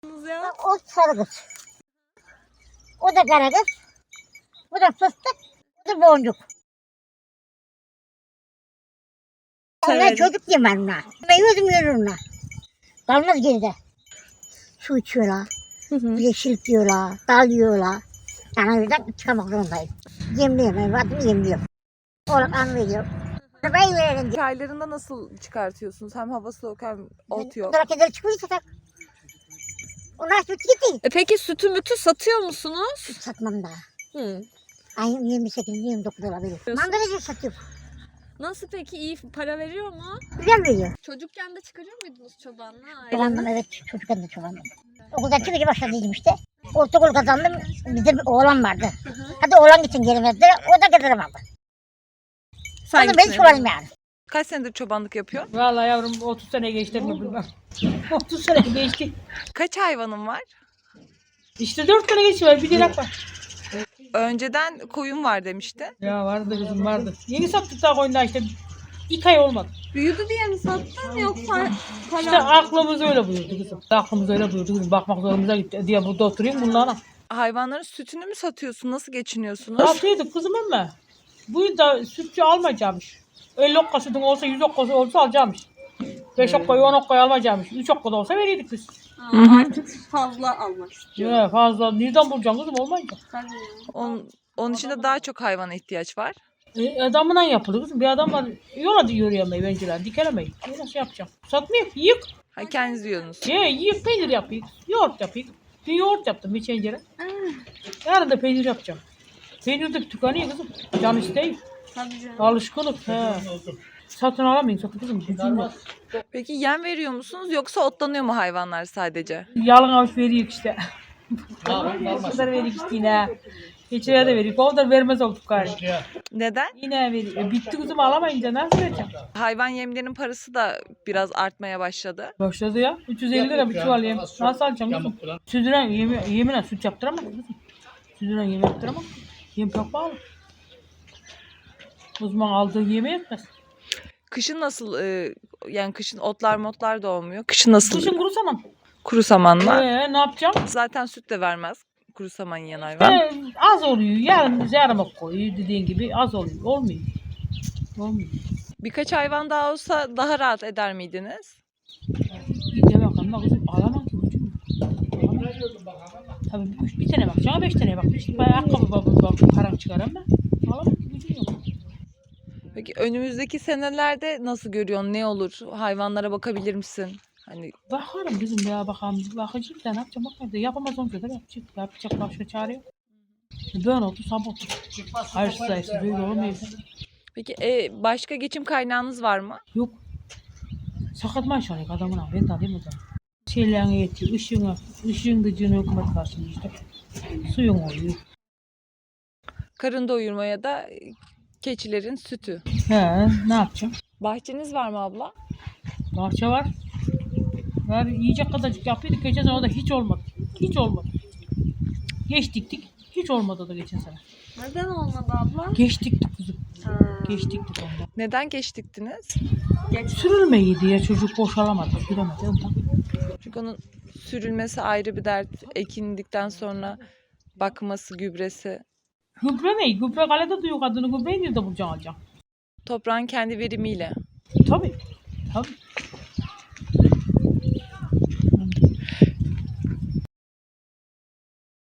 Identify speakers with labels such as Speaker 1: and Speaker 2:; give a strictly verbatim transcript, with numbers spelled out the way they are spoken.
Speaker 1: Ya?
Speaker 2: O sarı kız. O da kara kız. Bu da fıstık. Bu da boncuk. Onlar çocuk yemem onlar. Ben yüzüm yürürüm. Kalmaz geride. Su içiyorlar.
Speaker 1: Hı hı.
Speaker 2: Yeşil yiyorlar. Dal yiyorlar. Yani yüzden çıkamak zorundayım. Yemliyorum. Vatımı yemliyorum. Oğlum an veriyor. Ben verelim.
Speaker 1: Çaylarında nasıl çıkartıyorsunuz? Hem hava soğuk hem ot yok.
Speaker 2: Bunlara kadar çıkıyorsa tak. Onlar süt gitti.
Speaker 1: E peki sütü mütü satıyor musunuz?
Speaker 2: Süt satmam daha.
Speaker 1: Hı.
Speaker 2: Ayın yirmi sekiz yirmi dokuz olabilir. Mandalina satıyorum.
Speaker 1: Nasıl peki, iyi para veriyor mu?
Speaker 2: Güzel veriyor.
Speaker 1: Çocukken de çıkarıyor muydunuz çobanla?
Speaker 2: Çobandım evet. Çocukken de çobandım. Okuldan çıkınca başladıydım işte. Ortaokul kazandım. Bizde bir oğlan vardı. Hadi oğlan için geri verdiler. O da kazanamadı.
Speaker 1: Sen
Speaker 2: Onu ben çobanım yani.
Speaker 1: Kaç senedir çobanlık yapıyor?
Speaker 3: Vallahi yavrum otuz sene geçti mi bilmem. otuz sene geçti.
Speaker 1: Kaç hayvanın var?
Speaker 3: İşte dört sene geçti var bir dilek var.
Speaker 1: Önceden koyun var demişti.
Speaker 3: Ya vardı kızım vardı. Yeni sattık daha koyunlar işte. İki ay olmadı.
Speaker 1: Büyüdü diye mi sattın yoksa
Speaker 3: İşte aklımız öyle buyurdu kızım. Aklımız öyle buyurdu kızım. Bakmak zorumuza gitti diye burada oturayım bunlara.
Speaker 1: hayvanların sütünü mü satıyorsun? Nasıl geçiniyorsunuz?
Speaker 3: Satıyorduk kızım ama. Bu yıl da sütçü almayacakmış. elli okka sütün olsa yüz okka olsa alacakmış. beş okka on okka almayacakmış. üç okka da olsa verirdik biz.
Speaker 1: Artık fazla almak istiyor.
Speaker 3: Ya fazla. Nereden bulacaksın kızım olmayınca.
Speaker 1: Onun, onun için de daha çok hayvana ihtiyaç var.
Speaker 3: E, adamla yapılır kızım. Bir adam var yola da yürüyemeyi benciler. Dikelemeyi. E, nasıl yapacağım? Satmıyor. Yık.
Speaker 1: Ha, kendiniz yiyorsunuz.
Speaker 3: Ye yiyip peynir yapayım. Yoğurt yapayım. Bir yoğurt yaptım bir tencere. Yarın da peynir yapacağım. Peynir de tükeniyor kızım. Can isteği.
Speaker 1: Tabii canım.
Speaker 3: Alışkınlık. He. Satın alamayın satın kızım. Gücüm yok.
Speaker 1: Peki yem veriyor musunuz yoksa otlanıyor mu hayvanlar sadece?
Speaker 3: Yalın avuç veriyor işte. O kadar veriyor işte yine. Geçeye de veriyor. O kadar vermez olduk galiba.
Speaker 1: Neden?
Speaker 3: Yine veriyor. E, bitti kızım alamayınca nasıl vereceğim?
Speaker 1: Hayvan yemlerinin parası da biraz artmaya başladı.
Speaker 3: Başladı ya. üç yüz elli lira bir çuval yem. Nasıl alacaksın kızım? Sütüren yemi, yemine süt yaptıramaz kızım. Sütüren yem yaptıramaz. Yem çok pahalı. Uzman aldığı yeme yetmez.
Speaker 1: Kışın nasıl, e, yani kışın otlar motlar da olmuyor. Kışın nasıl?
Speaker 3: Kışın kuru saman.
Speaker 1: Kuru samanla.
Speaker 3: Ee, ne yapacağım?
Speaker 1: Zaten süt de vermez kuru saman yiyen hayvan.
Speaker 3: Ee, az oluyor. Yarım yarım koyuyor dediğin gibi az oluyor. Olmuyor. Olmuyor.
Speaker 1: Birkaç hayvan daha olsa daha rahat eder miydiniz?
Speaker 3: Bir de bakalım bak kızım alamam ki ucum. Tabii üç, bir tane bakacağım, beş tane bak. İşte bayağı ayakkabı bak, bak param çıkarım ben. Alamam ki ucum yok.
Speaker 1: Peki önümüzdeki senelerde nasıl görüyorsun? Ne olur? Hayvanlara bakabilir misin? Hani
Speaker 3: Bakarım kızım ya bakalım. Bakacağım da ne yapacağım bakmayayım da yapamaz olunca da yapacak. Yapacak başka çare yok. Böyle oldu sabah oldu. Hayır sayısı böyle olmuyor.
Speaker 1: peki e, başka geçim kaynağınız var mı?
Speaker 3: Yok. Sakat maaş alıyor adamın abi. Ben de alayım o zaman. Şeylerine yetiyor. Işığına, ışığın gücünü hükümet karşılıyor işte. Suyun oluyor.
Speaker 1: Karın doyurmaya da e, keçilerin sütü.
Speaker 3: He ne yapacağım?
Speaker 1: Bahçeniz var mı abla?
Speaker 3: Bahçe var. Var yiyecek kadarcık yapıyorduk. Geçen sene o da hiç olmadı. Hiç olmadı. Geç diktik. Hiç olmadı da geçen sene.
Speaker 1: Neden olmadı abla?
Speaker 3: Geç diktik kızım. Geç diktik ondan.
Speaker 1: Neden geç diktiniz?
Speaker 3: Sürülmeyi diye çocuk boşalamadı. Süremedi ondan.
Speaker 1: Çünkü onun sürülmesi ayrı bir dert. Ekindikten sonra bakması, gübresi.
Speaker 3: Gübre ne? Gübre kalede duyuyor kadını. Gübreyi nerede bulacaksın alacaksın?
Speaker 1: Toprağın kendi verimiyle.
Speaker 3: Tabii. Tabii.